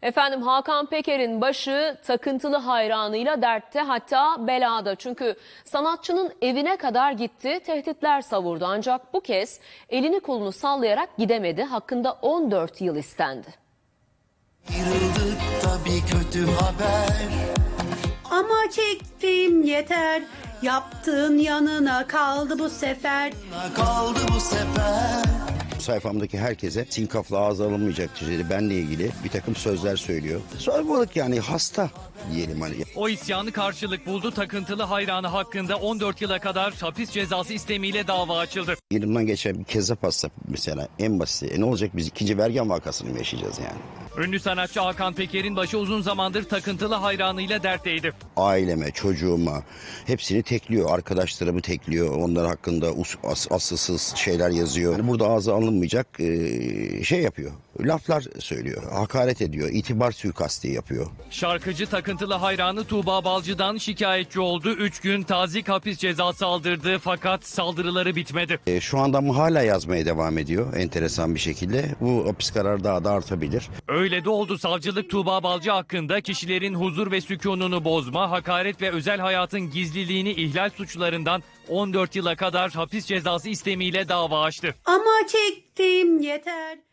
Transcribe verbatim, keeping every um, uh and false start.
Efendim Hakan Peker'in başı takıntılı hayranıyla dertte, hatta belada. Çünkü sanatçının evine kadar gitti, tehditler savurdu. Ancak bu kez elini kolunu sallayarak gidemedi. Hakkında on dört yıl istendi. Ayrıldık da bir kötü haber. Ama çektim yeter, yaptığın yanına kaldı bu sefer. Kaldı bu sefer. Sayfamdaki herkese sinkafla ağza alınmayacak düzeyde benle ilgili bir takım sözler söylüyor. Sormalık, yani hasta diyelim hani. O isyanı karşılık buldu. Takıntılı hayranı hakkında on dört yıla kadar hapis cezası istemiyle dava açıldı. Elimden geçen bir kezzap hasta mesela, en basit. E ne olacak, biz ikinci Bergen vakasını mı yaşayacağız yani? Ünlü sanatçı Hakan Peker'in başı uzun zamandır takıntılı hayranıyla dertteydi. Aileme, çocuğuma hepsini tekliyor. Arkadaşlarımı tekliyor. Onlar hakkında us, as, asılsız şeyler yazıyor. Yani burada ağza alınmayacak e, şey yapıyor. Laflar söylüyor. Hakaret ediyor. İtibar suikasti yapıyor. Şarkıcı takıntılı hayranı Tuğba Balcı'dan şikayetçi oldu. Üç gün tazik hapis cezası aldırdı fakat saldırıları bitmedi. E, şu anda ama hala yazmaya devam ediyor enteresan bir şekilde. Bu hapis kararı daha da artabilir. Öyle de oldu. Savcılık Tuğba Balcı hakkında kişilerin huzur ve sükununu bozma, hakaret ve özel hayatın gizliliğini ihlal suçlarından on dört yıla kadar hapis cezası istemiyle dava açtı. Ama çektim yeter.